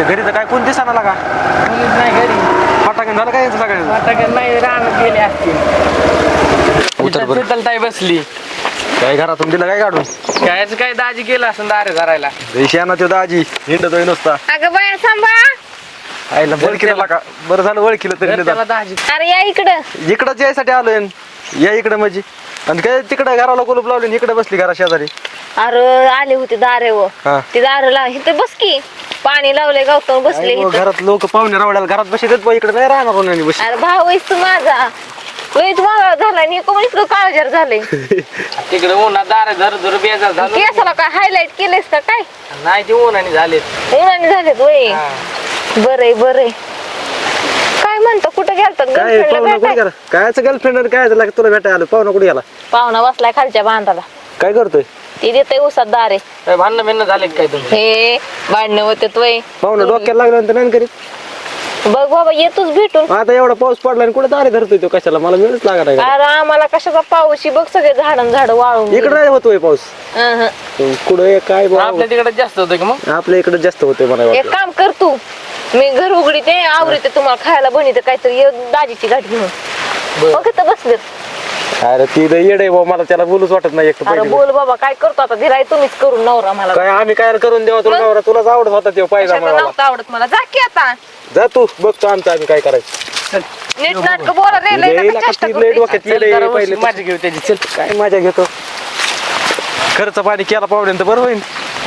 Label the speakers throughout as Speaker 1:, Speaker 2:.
Speaker 1: घरी तर काय कोण दिसाना लागा.
Speaker 2: मुलीच नाही घरी.
Speaker 1: फटाकन झालं काय यांचं सगळ्यांचं?
Speaker 2: फटाके नाही रानात गेले असतील.
Speaker 1: उतर बरं.
Speaker 2: शीतलताई बसली.
Speaker 1: काय घरातून दिलं काय काढून?
Speaker 2: कायच काय दाजी गेला असं दारे धरायला.
Speaker 1: ना तो दाजी हिंडतोय नुसता.
Speaker 3: अगं बाया सांभाळा.
Speaker 1: आईला ओळखीला का बरं झालं ओळखीलं तरी
Speaker 2: तर त्याला
Speaker 1: निदान.
Speaker 2: दाजी
Speaker 3: अरे या इकडं.
Speaker 1: इकडंच यायसाठी आलोय. या इकडं म्हणजे आणि काय तिकडं घराला कुलूप लावले इकडे बसली घरा शेजारी.
Speaker 3: अरे आले होते दारे व
Speaker 1: हा.
Speaker 3: ते दारे ला इथं बस की पाणी लावले गावतो बसले
Speaker 1: आई,
Speaker 3: इथं.
Speaker 1: घरात लोक पाहुणे रावड्याला घरात बसतात इकडे नाही राहणार कोणी बस.
Speaker 3: अरे भाऊ आहेस तू माझा. लयच वाळा झालाय नी कोण इतकं काळजार झालंय.
Speaker 2: तिकडे उन्हात दारे धर धर बेजार झालं.
Speaker 3: केसाला काय हायलाइट केलेस का काय?
Speaker 2: नाही ते उन्हाने झाले.
Speaker 3: उन्हाने झालेत वय. बरंय बरंय. काय म्हणतो कुठं गेलतात
Speaker 1: काय पाहुणा कुठे
Speaker 3: गर्लफ्रेंड
Speaker 1: गेला? कायचं गर्लफ्रेंड काय झालं तुला भेटायला आलो? पाहुणा कुठे गेला?
Speaker 3: पाहुणा बसलाय खालच्या बांधाला.
Speaker 1: काय करतोय?
Speaker 3: ती देते उसात दारे.
Speaker 2: काय भांडणं बिन्न झाले काय तुम्ही?
Speaker 3: हे भांडणं होते वय.
Speaker 1: पाहुणा डोक्याला लागल्यानंतर नाही करीत.
Speaker 3: बघ बाबा येतोच भेटून.
Speaker 1: आता एवढा पाऊस पडला आणि कुठे दारे धरतोय तो कशाला? मला मिळच लागत आहे.
Speaker 3: अरे आम्हाला कशाचा पाऊस बघ सगळे झाड वाळून
Speaker 1: इकडे नाही होतोय पाऊस.
Speaker 3: गेले.
Speaker 1: कुठे काय बाबा?
Speaker 2: आपल्या तिकडे जास्त होतं का मग?
Speaker 1: आपल्या इकडे जास्त होतोय मला
Speaker 3: एक
Speaker 1: वाटतं.
Speaker 3: काम कर तू. मी घर उघडीते आवडते तुम्हाला खायला बनवते काहीतरी ये दाजीची गाठ घेऊन. बघ इथं बसलेत.
Speaker 1: अरे ती लय येड आहे बाबा मला त्याला बोलूच वाटत नाही. एक तर
Speaker 3: अरे
Speaker 1: पहिली
Speaker 3: बोल बाबा काय करतो आता दिलाय तुम्हीच करून नवरा मला.
Speaker 1: काय आम्ही काय करून देवा तुला
Speaker 3: मग?
Speaker 1: नवरा तुलाच आवडत होता ते पाहिजे
Speaker 3: कशाला
Speaker 1: मला.
Speaker 3: नव्हतं आवडत मला. जा की आता
Speaker 1: जा तू बघतो आमचं आम्ही काय करायचं.
Speaker 3: नीट नाटक बोला रे लय
Speaker 1: लय
Speaker 3: नका
Speaker 1: नका
Speaker 3: चेष्टा
Speaker 1: ती
Speaker 3: करू
Speaker 1: लय
Speaker 3: ती.
Speaker 1: डोक्यात
Speaker 2: चल
Speaker 1: लय
Speaker 2: जरा
Speaker 1: पहिले
Speaker 2: माझी घेऊ त्याची. चल.
Speaker 1: काय मजा घेतो. खर्च पाणी केला पावड्यानं तर बरं होईल.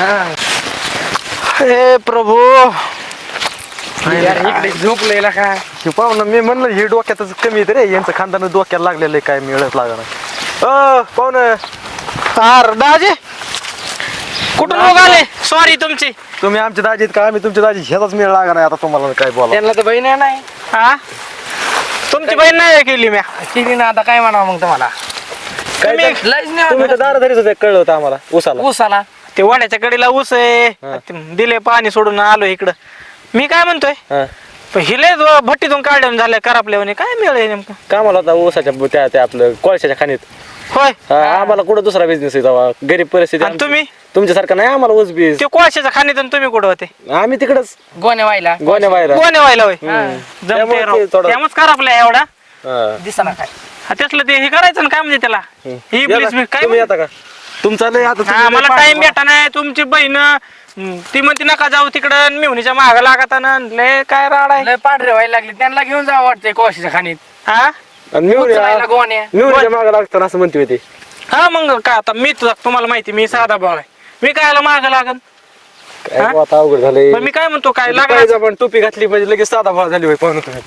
Speaker 1: हे प्रभू
Speaker 2: यार, इकडे झोपलेला का?
Speaker 1: हे पाहुणं मी म्हणलं हे डोक्यातच कमी येते रे यांचं खानदान डोक्याला लागलेलं आहे काय मिळत लागणार. पाहुणं
Speaker 4: अरे दाजी कुठून आले? सॉरी तुमची.
Speaker 1: तुम्ही आमचे दाजी आहेत का आम्ही तुमच्या दाजी ह्याचाच मेळ लागणार आहे आता तुम्हाला काय बोला.
Speaker 2: त्यांना तर बहीण आहे नाही.
Speaker 4: हा तुमची बहीण नाही केली म्या.
Speaker 2: केली ना आता काय म्हणावं मग तुम्हाला?
Speaker 1: काय
Speaker 2: तुम्ही
Speaker 1: तर-
Speaker 2: लयच नाही
Speaker 1: तुम्ही तर दाराधरीच होते कळलं होतं आम्हाला उसाला.
Speaker 2: ऊस आला.
Speaker 4: ते वड्याच्या कडेला ऊस आहे ते दिले पाणी सोडून आलो इकडं. मी काय म्हणतोय
Speaker 1: हा.
Speaker 4: पण हिले भट्टीतून काढल्यावर झालं करापल्यावर काय मिळेल नेमकं?
Speaker 1: कामाला होता ऊसाच्या त्या आपलं कोळशाच्या खाणीत.
Speaker 4: होय.
Speaker 1: आम्हाला कुठं दुसरा बिझनेस आहे तेव्हा गरीब परिस्थिती
Speaker 4: आणि
Speaker 1: आमची.
Speaker 4: तुम्ही
Speaker 1: तुमच्यासारखं नाही आम्हाला ऊस बीज.
Speaker 4: ते कोळशाच्या खाणीतून तुम्ही कुठं होते?
Speaker 1: आम्ही तिकडच
Speaker 2: गोण्या व्हायला
Speaker 1: गोण्या बाहेर.
Speaker 4: कोणी व्हायला होय?
Speaker 1: त्यामुळे ते थोडं-
Speaker 4: त्यामुळेच करापल्या एवढा.
Speaker 2: दिसना काय.
Speaker 4: हा, त्यातलं ते हे करायचं ना काय म्हणजे त्याला ही प्लीज काय
Speaker 1: तुम्ही येता का? तुमचा लय आता
Speaker 4: हा,
Speaker 1: तुम्ही लय
Speaker 4: मला
Speaker 1: पाणी-
Speaker 4: टाइम भेटा नाही. तुमची बहीण ती म्हणते नका जाऊ तिकडं मिवणीच्या माग लागत लय काय राड आहे.
Speaker 2: लय पांढरे व्हायला लागले. त्यांना घेऊन जावं वाटतंय कोळशाच्या खाणीत.
Speaker 4: हा
Speaker 1: आणि मिळून
Speaker 2: उचलायला गोण्या.
Speaker 1: मिळूनच्या मागं लागतं असं म्हणते होते.
Speaker 4: हा मग काय आता मी तुम्हाला माहिती मी साधा भाऊ आहे. मी कायला माग लागन?
Speaker 1: काय
Speaker 4: हा?
Speaker 1: बुवा आता अवघड झालंय.
Speaker 4: पण मी काय म्हणतो काय लागला
Speaker 1: पाहिजे पण टोपी घातली म्हणजे लगेच साधा भाव झाली होय पाहुणं तुम्ही.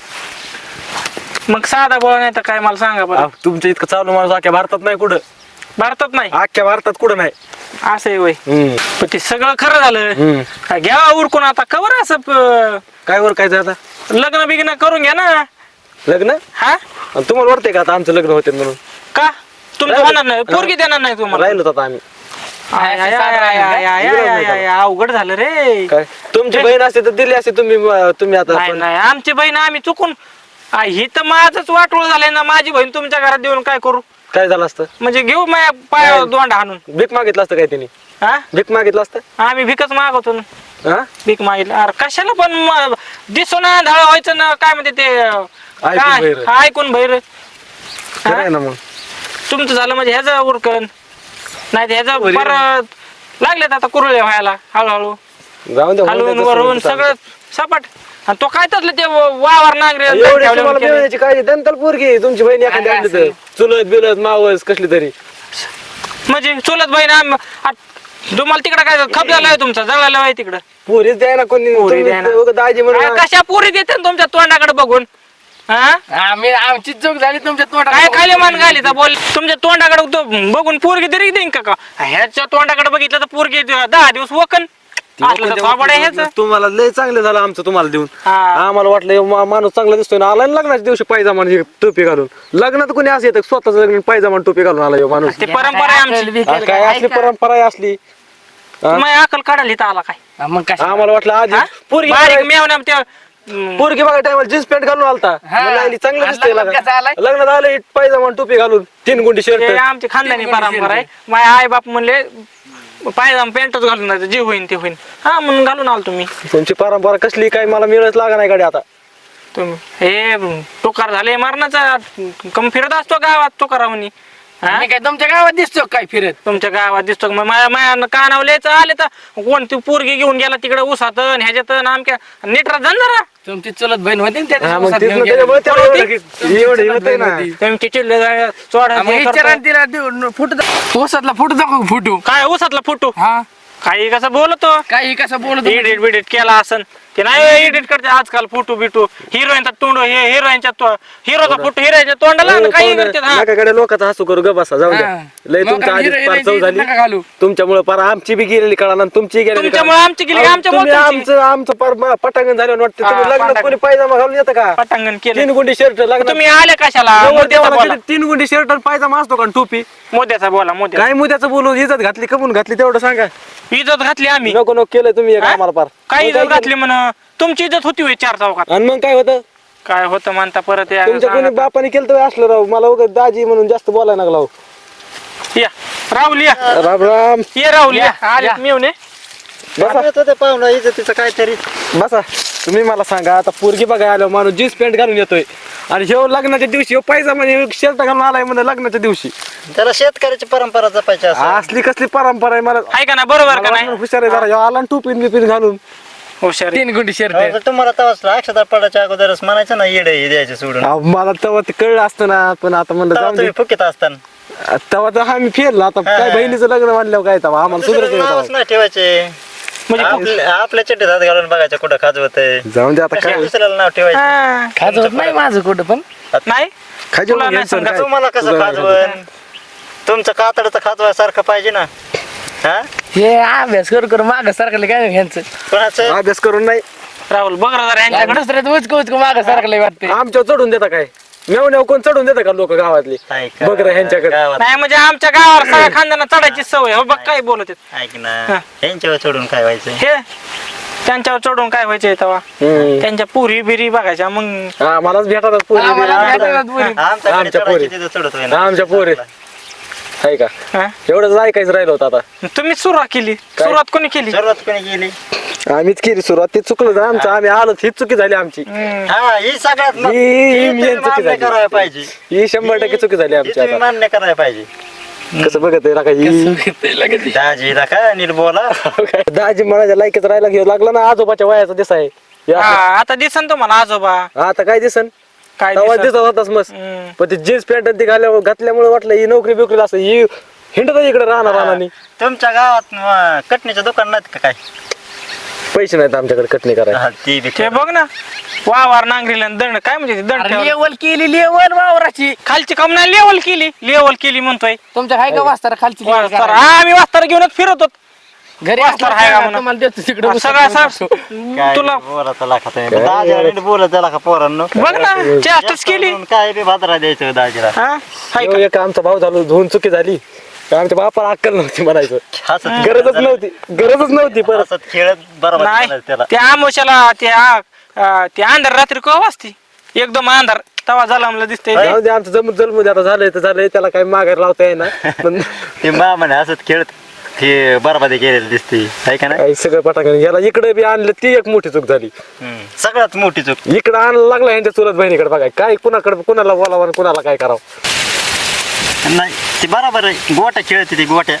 Speaker 4: मग साधा भाऊ नाही तर काय मला सांगा बरं.
Speaker 1: तुमच्या इतकं चालू माणूस अख्ख्या भारतात नाही कुठं.
Speaker 4: भारतात नाही
Speaker 1: अख्ख्या भारतात कुठं नाही.
Speaker 4: असं आहे वय.
Speaker 1: हम्म.
Speaker 4: पण ते सगळं खरं झालं.
Speaker 1: हम्म.
Speaker 4: काय घ्या उरकून आता कवर असं
Speaker 1: काय वर काय आता
Speaker 4: लग्न बिग्न करून घ्या ना.
Speaker 1: लग्न
Speaker 4: हा
Speaker 1: आणि तुम्हाला वाटतंय का आता आमचं लग्न होते म्हणून?
Speaker 4: का तुमचं होणार नाही पोरगी देणार नाही तुम्हाला?
Speaker 1: राहिलो आता आम्ही.
Speaker 4: आय, आय, आय, आय, आय, आय, आय, आय, आय, अवघड झालं रे.
Speaker 1: काय तुमची बहीण असते तर दिली असते तुम्ही आता
Speaker 4: नाही
Speaker 1: पण-
Speaker 4: नाही आमची बहीण आम्ही चुकून ही तर माझंच वाटोळ झालंय ना. माझी बहीण तुमच्या घरात देऊन काय करू?
Speaker 1: काय झालं असतं?
Speaker 4: म्हणजे घेऊ माझ्या पायावर दोंडा हाणून.
Speaker 1: भीक मागितलं असतं काय त्यांनी?
Speaker 4: हा
Speaker 1: भीक मागितलं असतं?
Speaker 4: आम्ही भिकच मागवतो ना.
Speaker 1: हा?
Speaker 4: भीक मागितलं अरे कशाला पण दिसो ना ढाळ व्हायचं ना काय म्हणते ते
Speaker 1: ऐकून बहिरं.
Speaker 4: ऐकून बहिर.
Speaker 1: खरं आहे ना मग.
Speaker 4: तुमचं झालं म्हणजे ह्याचं उरकन नाही तर ह्याचं परत लागलेत आता कुरळे व्हायला हळूहळू
Speaker 1: जाऊन द्या,
Speaker 4: हलवून
Speaker 1: होऊन
Speaker 4: वरून
Speaker 1: द्यायचं
Speaker 4: सगळं सपाट. आणि तो काय तसलं ते वावर नांगरे
Speaker 1: एवढी तुम्हाला मिळण्याची काळजी दंतल पोरगी तुमची बहीण एखादी आणली तर चुलत बिलत मावस कसली तरी.
Speaker 4: म्हणजे चुलत बहीण तुम्हाला तिकडं काय खप झालाय तुमचा जळाला आहे तिकडं
Speaker 1: पोरीच द्याय ना कोणी.
Speaker 4: पोरी
Speaker 1: तुम्ही
Speaker 4: द्या ना.
Speaker 1: उगाच दाजी म्हणून
Speaker 4: कशा पोरी देते ना तुमच्या तोंडाकडे बघून? हा
Speaker 2: आमची चूक झाली तुमच्या तोंडात.
Speaker 4: काय खाली मान घाली तर बोल तुमच्या तोंडाकडे बघून पोरगी तरी देईन का? ह्याच्या तोंडाकडे बघितलं तर पोरगी 10 दिवस वकन. असलं तर थोबाड आहे ह्याचं.
Speaker 1: तुम्हाला लय चांगलं झालं आमचं तुम्हाला देऊन.
Speaker 4: हा.
Speaker 1: आम्हाला वाटलं माणूस चांगला दिसतोय ना आला ना लग्नाच्या दिवशी पायजामा आणि टोपी घालून. लग्नात कोणी असं येतं स्वतःच लग्न पायजामा आणि टोपी घालून आला ह्यो माणूस.
Speaker 4: ते परंपरा आहे आमची.
Speaker 1: हा, काय असली परंपरा आहे असली.
Speaker 4: तुम्ही अकल काढायला इथं आला काय?
Speaker 2: मग काय
Speaker 1: आम्हाला वाटलं आधी
Speaker 4: हा?
Speaker 1: पोरगी
Speaker 4: बारीक
Speaker 1: बघाय-
Speaker 4: मेवण्या त्या
Speaker 1: पोरगी बघा टायमाला जीन्स पॅन्ट घालून आलता. म्हणलं, आईली चांगलं
Speaker 2: आणि
Speaker 1: दिसतंय
Speaker 2: लग्नात कसं आलाय?
Speaker 1: लग्नात आलं पायजामा आणि टोपी घालून 3 गुंडी
Speaker 4: ते
Speaker 1: शर्ट.
Speaker 4: आमची खानदानी परंपरा आहे. माझे आई बाप म्हणले पायजामा पॅन्टच घालून जायचं, जे होईन ते होईन. हा म्हणून घालून आलो तुम्ही.
Speaker 1: तुमची परंपरा कसली काय मला मिळत लागा नाही गाडी आता.
Speaker 4: तुम्ही हे टोकार झाले मारण्याचा कम फिरत असतो गावात टोकारा म्हणी.
Speaker 2: मी काय तुमच्या गावात दिसतो काय फिरत?
Speaker 4: तुमच्या गावात दिसतो का? माझ्या कानावलेच आले तर कोणती पोरगी घेऊन गेला तिकडे उसात ह्याच्यात आमच्या नीटरा जाण जरा.
Speaker 2: तुमची चुलत बहीण होती ना त्या
Speaker 1: हा,
Speaker 2: दिवशी
Speaker 1: मग
Speaker 2: उसात
Speaker 1: तेच
Speaker 2: घेऊन
Speaker 1: ना,
Speaker 2: गेली.
Speaker 1: त्याच्यामुळे त्याला
Speaker 4: कोण
Speaker 1: एवढं होतंय ना.
Speaker 4: तुमची चिडले चोडा
Speaker 2: मग विचारा ना तिला फोटो उसातला फोटो दाखव फोटो.
Speaker 4: काय उसातला फोटो
Speaker 2: हा
Speaker 4: काही कसं बोलतो.
Speaker 2: काही कसं बोलत
Speaker 4: एडिट बिडिट केला असन ते नाही एडिट करते आजकाल फोटो बिटो. हिरोईनचा तोंड हिरोईनच्या हिरोचा फोटो हिरोईनच्या तोंडाला आणि काही करते. हा
Speaker 1: नकाकडे लोकांचा हसू करू ग बसा जाऊ द्या.
Speaker 2: हा.
Speaker 1: लय तुमच्या आधी पार चव झाली
Speaker 2: नका घालू.
Speaker 1: तुमच्यामुळे पार आमची बी गेलेली कळा ना तुमची गेलेली
Speaker 4: तुमच्यामुळे आमची गेली आमच्या
Speaker 1: आमचं आमचं पार पटांगण झालं वाटतं. तुम्ही
Speaker 4: हा,
Speaker 1: लग्नात
Speaker 4: पटांगण.
Speaker 1: कोणी पायजामा घालून येतं का?
Speaker 4: पटांगण केलं.
Speaker 1: 3 गुंडी शर्ट लग्न
Speaker 4: तुम्ही आले कशाला? मोद्याचा बोला
Speaker 1: 3 गुंडी शर्ट आणि पायजामा असतो का आणि टोपी?
Speaker 4: मोद्याचा बोला मोद्या.
Speaker 1: काय मुद्याचं बोलून इज्जत घातली कमून घातली तेवढं सांगा.
Speaker 4: इज्जत घातली आम्ही.
Speaker 1: नको नको केलं तुम्ही एक
Speaker 4: हा?
Speaker 1: आम्हाला पार.
Speaker 4: काय
Speaker 1: मग
Speaker 4: इज्जत
Speaker 1: केलं?
Speaker 4: घातली म्हण तुमची इज्जत होती होय 4 चौकात.
Speaker 1: आणि मग काय होतं
Speaker 4: काय होतं म्हणता परत या
Speaker 1: तुमच्या कोणी
Speaker 4: सांगा.
Speaker 1: बापाने केलं तर असलं राव मला उगाच दाजी म्हणून जास्त बोलायला लागला हो.
Speaker 4: या राहुल या
Speaker 1: राम राम
Speaker 4: ये राहुल या
Speaker 2: या,
Speaker 4: आले
Speaker 2: या.
Speaker 4: मी येऊन
Speaker 1: बसा पाहुणा इज्जतीचं काहीतरी बसा. तुम्ही मला सांगा आता पोरगी बघायला आलो माणूस जीन्स पॅन्ट घालून येतोय आणि ह्यो लग्नाच्या दिवशी पायजामा शर्ट घालून आलाय म्हणजे लग्नाच्या दिवशी.
Speaker 5: त्याला शेतकऱ्याची परंपरा जपायची असं.
Speaker 1: असली कसली परंपरा आहे मला
Speaker 4: आहे का ना बरोबर का नाही?
Speaker 1: हुशार आहे जरा ह्यो आला आणि टोपीन बिपीन घालून.
Speaker 4: हुशार आहे.
Speaker 2: 3 गुंडी शर्ट.
Speaker 5: तर तुम्हाला तवाच अक्षता पडायच्या अगोदरच म्हणायचं ना येडे हे द्यायचे सोडून.
Speaker 1: अहो, मला तेव्हा ते कळलं असतं ना पण आता म्हणलं
Speaker 5: तेव्हा
Speaker 1: जाऊन दे.
Speaker 5: तुम्ही फुकीत असताना
Speaker 1: तेव्हा तर आम्ही फेरला आता काय बहिणीचं लग्न म्हणल्यावर काय तेव्हा आम्हाला
Speaker 5: दुसऱ्याचं नावच
Speaker 1: सुधरत
Speaker 5: नाही ठेवायचे.
Speaker 4: म्हणजे
Speaker 5: आपल्या चड्डीत हात घालून बघायचं कुठं खाजवतंय.
Speaker 1: जाऊन दे आता काय
Speaker 5: दुसऱ्याला नाव ठेवायचं.
Speaker 4: हा.
Speaker 2: खाजवत नाही माझं कुठं पण.
Speaker 4: नाही
Speaker 1: खाजवून
Speaker 4: तुला नाही
Speaker 1: घ्यायचं
Speaker 4: सांगत.
Speaker 1: काय?
Speaker 5: तुम्हाला कसं
Speaker 1: तुझं
Speaker 5: खाजवण तुमचं कातडचं खाजवायसारखं पाहिजे ना. हा
Speaker 2: हे अभ्यास करू माग सारखं काय ह्यांचं.
Speaker 5: कोणाचं
Speaker 1: अभ्यास करून नाही
Speaker 4: राहुल बघ जरा यांच्याकडे.
Speaker 2: दुसऱ्यात उचकू माग सारखं वाटते.
Speaker 1: आमच्यावर चढून देता काय? मेवण्याव कोण चढून देता का लोक गावातली?
Speaker 5: ऐका,
Speaker 1: बघ रे ह्यांच्याकडे.
Speaker 5: गावात
Speaker 4: नाही म्हणजे आमच्या गावावर सगळ्या खानदाना चढायची सवय. हो बघ काय बोलत आहेत.
Speaker 5: ऐक ना यांच्यावर चढून काय व्हायचं.
Speaker 4: हे त्यांच्यावर चढून काय व्हायचंय तेव्हा
Speaker 1: हम्म.
Speaker 4: त्यांच्या पुरी बिरी बघायच्या मग.
Speaker 1: हा मलाच भेटतात पोरी
Speaker 2: आम्हाला
Speaker 1: बिरी.
Speaker 2: भेटतात पोरी.
Speaker 5: आमच्याकडे
Speaker 1: आमच्या
Speaker 5: चढायची
Speaker 1: पोरी.
Speaker 5: तिथं चढत होय ना.
Speaker 1: आमच्या पोरी आहे का
Speaker 4: हा?
Speaker 1: एवढंच ऐकायचं राहिलं होतं आता.
Speaker 4: तुम्ही सुरुवात केली.
Speaker 1: काय?
Speaker 4: सुरुवात कोणी केली?
Speaker 5: सुरुवात कोणी केली.
Speaker 1: आम्हीच केली सुरुवात ते चुकलं ना आमचं आम्ही आलो हीच चुकी झाली आमची.
Speaker 4: हम्म.
Speaker 5: हा ही सगळ्यात मग-
Speaker 1: ही
Speaker 5: ही तुम्ही
Speaker 1: मेन चुकी
Speaker 5: मान्य
Speaker 1: झाली.
Speaker 5: करायला पाहिजे.
Speaker 1: ही 100% चुकी झाली
Speaker 5: ही
Speaker 1: आमची
Speaker 5: तुम्ही
Speaker 1: आता.
Speaker 5: मान्य करायला पाहिजे.
Speaker 1: कसं बघत आहे का ही
Speaker 5: दाजी का नीट बोला.
Speaker 1: दाजी म्हणायच्या लायकीच राहायला घेऊ लागला ना आजोबाच्या वयाचा दिसा आहे हे
Speaker 4: हा,
Speaker 1: असं.
Speaker 4: आता दिसन तुम्हाला आजोबा
Speaker 1: आता काय दिसन
Speaker 4: काय
Speaker 1: तेव्हा
Speaker 4: दिसन?
Speaker 1: दिसत होताच मस्त.
Speaker 4: हम्म.
Speaker 1: पण ते जीन्स पॅन्ट ते घातल्यामुळे वाटलं ही नोकरी बिकरी असं ही हिंडत इकडे राहणार राहणार
Speaker 5: तुमच्या गावात कटणीचं दुकान नाहीत का काय?
Speaker 1: पैसे नाहीत आमच्याकडे कटणी करायला.
Speaker 5: हा, ती बी
Speaker 4: ते बघ ना वावर नांगरीला आणि दंड काय म्हणजे ते दंड ठेवलं.
Speaker 2: लेवल केली लेवल वावराची.
Speaker 4: खालची काम नाही लेवल केली म्हणतोय.
Speaker 2: तुमच्या हाय का वास्तारा खालची level
Speaker 4: वास्तार.
Speaker 2: करायला?
Speaker 4: हा, आम्ही वास्तार घेऊनच फिरतो.
Speaker 2: घरी
Speaker 4: वास्तार
Speaker 2: असला
Speaker 4: हाय का
Speaker 2: का
Speaker 4: म्हणून?
Speaker 2: तुम्हाला देतो तिकडे
Speaker 4: सगळा
Speaker 5: काय
Speaker 4: तुला
Speaker 5: बोलायचं लाखात आहे. दाजीला नीट बोलत त्याला का पोरांनो.
Speaker 4: बघ ना चेष्टाच केली.
Speaker 5: काय बी भादरा द्यायचं दाजीला.
Speaker 4: हा हाय का?
Speaker 1: एक आमचा भाऊ झालो धुवून चुकी झाली आमच्या बापाला अक्कल नव्हती म्हणायचं.
Speaker 5: हसत
Speaker 1: गरजच नव्हती परत.
Speaker 5: हसत खेळत बरोबर
Speaker 4: नाही
Speaker 5: त्याला.
Speaker 4: त्या आमोशाला त्या अंधार रात्री कवा वाजती एकदम अंधार तवा झाला मला दिसतंय ते.
Speaker 1: जाऊ दे, आमचं जमू दे आता झालंय तर झालंय त्याला काही मागायला लावता येईना पण
Speaker 5: ते मामाने हसत खेळत ते बरबादी केलेली दिसते आहे का नाही.
Speaker 1: काही सगळं पटाकन याला इकडे बी आणलं ती एक मोठी चूक झाली.
Speaker 5: सगळ्यात मोठी चूक.
Speaker 1: इकडे आणायला लागला यांच्या चुलत बहिणीकडे बघाय काय कुणाला बोलावं आणि कुणाला काय करावं.
Speaker 5: नाही ते बरोबर आहे. गोट्या खेळते ती गोट्या.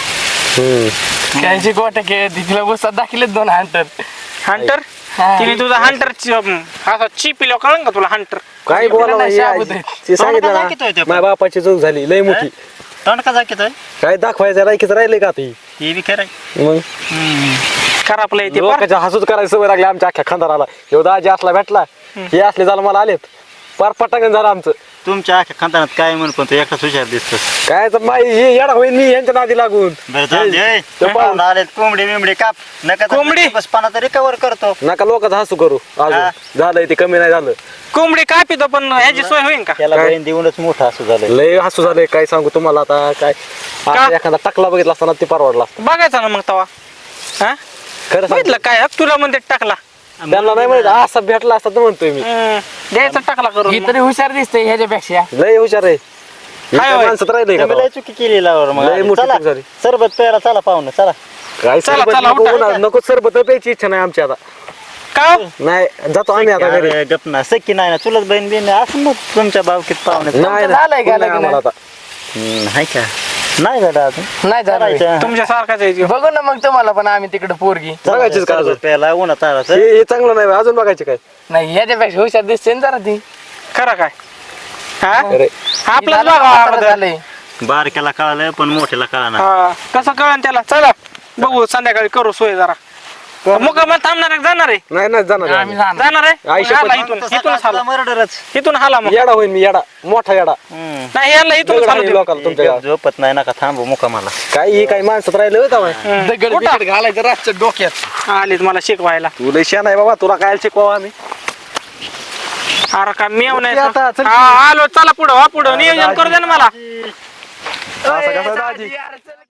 Speaker 2: त्यांची गोट्या खेळती तिला बसतात दाखिलेत 2 हंटर.
Speaker 4: हंटर
Speaker 2: हा.
Speaker 4: तिने तुझा हंटर असा चिपिलो कळलं का तुला हंटर?
Speaker 1: काय बोलावं
Speaker 2: नाही,
Speaker 1: हे
Speaker 2: शाबूत आहे.
Speaker 1: ते सांगितलं
Speaker 5: तोंडाला दाखवतोय ते
Speaker 1: ना
Speaker 5: पण.
Speaker 1: माझ्या बापाची चूक झाली लय मोठी.
Speaker 5: तोंड का जाकीतोय
Speaker 1: काय दाखवायचं लायकीच राहिले का ती
Speaker 5: ही बी खरं आहे.
Speaker 1: मग
Speaker 4: खराबलं ते पार.
Speaker 1: लोकांच्या हसूच करायची सवय लागली आमच्या अख्ख्या खंदाराला. ह्यो दाजी असला भेटला हे असले झालं मला आलेत पार पटांगण झालं आमचं.
Speaker 5: तुमच्या अख्ख्या खानदानात काय म्हणून पण तू एकटाच हुशार दिसतो.
Speaker 1: काय तर माई हे येडा होईल मी यांच्या नादी लागून.
Speaker 5: बरं जाऊ दे, ओय.
Speaker 1: तो पाहून.
Speaker 5: आलेत कोंबडी बिंबडी काप नका
Speaker 4: कोंबडी?
Speaker 5: बस पाना तरी कव्हर करतो.
Speaker 1: नका लोकांचं हसू करू
Speaker 5: हा.
Speaker 1: अजून झालंय ते कमी नाही झालं.
Speaker 4: कोंबडी कापितो पण ह्याची सोय होईन का?
Speaker 5: त्याला
Speaker 1: काय?
Speaker 5: बहीण देऊनच मोठा असं झालं.
Speaker 1: लय हसू झालंय काय सांगू तुम्हाला आता काय आता एखादा टाकला बघितला असताना ते परवडला असता.
Speaker 4: बघायचा ना मग तवा. हा
Speaker 1: खरं सांगतो.
Speaker 4: बघितलं काय तुला म्हणते टाकला.
Speaker 1: त्यांना नाही माहित असा भेटला असता तर म्हणतोय मी
Speaker 4: द्यायचा टाकला करून
Speaker 2: ही
Speaker 4: मग.
Speaker 2: तरी हुशार दिसते ह्याच्यापेक्षा.
Speaker 1: लय हुशार आहे.
Speaker 4: हाय होय.
Speaker 1: माणसात राहिले का
Speaker 5: तुम्ही लय चुकी केली लावर मग
Speaker 1: लय मोठी
Speaker 5: चला
Speaker 1: चूक झाली.
Speaker 5: सरबत प्यायला चला पाहुणं चला
Speaker 1: काय
Speaker 4: चला,
Speaker 1: सरबत
Speaker 4: चला,
Speaker 1: नको
Speaker 4: उठा.
Speaker 1: बोला, नको सरबत प्यायची इच्छा नाही आमची आता
Speaker 4: का हो?
Speaker 1: नाही जातो आम्ही आता घरी
Speaker 5: अरे गप ना सख्खी नाही ना चुलत बहीण बिन असं मग तुमच्या बावकीत पाहुणे
Speaker 1: नाही
Speaker 2: झालंय का
Speaker 1: नाही
Speaker 2: लग्न?
Speaker 1: आम्हाला आता
Speaker 5: हाय का नाही झालं अजून
Speaker 2: नाही झालं
Speaker 5: करायचं.
Speaker 4: तुमच्या सारखाच आहे जीव.
Speaker 2: बघू ना मग तुम्हाला पण आम्ही तिकडे पोरगी
Speaker 5: चला,
Speaker 1: बघायचीच का अजून?
Speaker 5: सरबत प्यायला उन्हात ताराचं.
Speaker 1: हे चांगलं नाही अजून बघायचे काय
Speaker 2: नाही याच्यापेक्षा हुशार दिसते ना जरा ती
Speaker 4: खरं काय हा
Speaker 1: अरे
Speaker 4: आपलंच
Speaker 2: झालं,
Speaker 4: बघा
Speaker 2: म्हातारं
Speaker 4: अगोदर.
Speaker 2: झालंय.
Speaker 5: बारक्याला कळालं पण मोठ्याला कळाना
Speaker 4: हा कसं कळन त्याला चला बघू संध्याकाळी करू सोय जरा मुकामाला थांबणार आहे का जाणार आहे
Speaker 1: नाही नाही जाणार
Speaker 2: आम्ही जाणार.
Speaker 4: जाणार आहे
Speaker 1: आई शपथ.
Speaker 4: हाला इथूनच हाला
Speaker 5: मर्डरच
Speaker 4: इथून हाला मग
Speaker 1: येडा होईन मी येडा मोठा येडा
Speaker 4: नाही याला इथूनच
Speaker 1: दगड
Speaker 4: हालू
Speaker 1: हाणीन
Speaker 4: देऊ.
Speaker 1: लोकाला तुमच्या गावात.
Speaker 5: झोपत नाही नका थांबू मुकामाला
Speaker 1: काय ही काही माणसात राहिलं होतं माय
Speaker 2: दगड बिगड घालायचं रातच्या डोक्यात
Speaker 4: आलीत मला शिकवायला
Speaker 1: तू लय शान आहे बाबा तुला काय शिकवा आम्ही
Speaker 4: अरे का मेव नाही
Speaker 1: आता, चल.
Speaker 4: आलो चला पुढं नियोजन करू दे ना मला
Speaker 1: असं कसं दाजी